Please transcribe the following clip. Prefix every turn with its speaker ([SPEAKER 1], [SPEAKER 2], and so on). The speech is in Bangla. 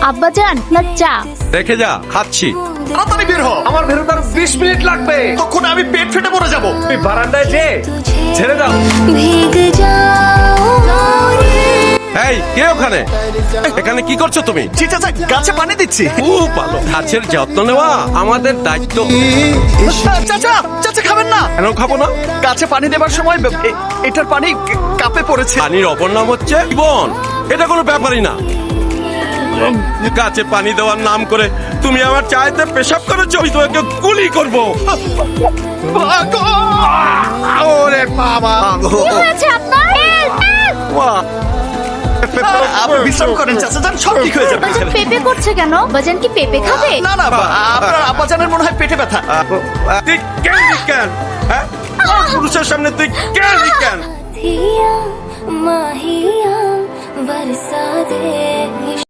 [SPEAKER 1] আব্বাজান আপনার চা।
[SPEAKER 2] রেখে যা, খাচ্ছি।
[SPEAKER 3] তাড়াতাড়ি বের হ, আমার বেরোতে আরো 20 মিনিট লাগবে, তখন আমি পেট ফেটে মরে যাবো।
[SPEAKER 4] তুমি বারান্দায় যে ছেড়ে দাও।
[SPEAKER 2] এই কে ওখানে? এখানে কি করছো তুমি?
[SPEAKER 3] জি চাচা, গাছে পানি দিচ্ছি।
[SPEAKER 2] খুব ভালো। গাছের যত্ন নেওয়া আমাদের দায়িত্ব।
[SPEAKER 3] চাচা চাচা খাবেন না?
[SPEAKER 2] কেন খাবো না?
[SPEAKER 3] গাছে পানি দেবার সময় এটার পানি কাপে পড়েছে।
[SPEAKER 2] পানির অপর নাম হচ্ছে জীবন। এটা কোনো ব্যাপারই না। গাছে পানি দেওয়ার নাম করে তুমি আমার চায়েতে পেশাব করেছো, আমি তোমাকে গুলি করবো। ওরে বাবা,
[SPEAKER 1] কি হয়েছে আপনার?
[SPEAKER 3] আপনি বিশ্রাম করেন চাচা, যান, সব ঠিক হয়ে যাবে।
[SPEAKER 1] আব্বাজান পেঁপে করছে কেন? বাজান কি পেঁপে খাবে?
[SPEAKER 3] না না, আপনার আব্বাজানের মনে হয় পেটে ব্যথা।
[SPEAKER 2] তুই কেন? হ্যাঁ, পুরুষের সামনে তুই কেন?
[SPEAKER 5] माहिया बरसा दे।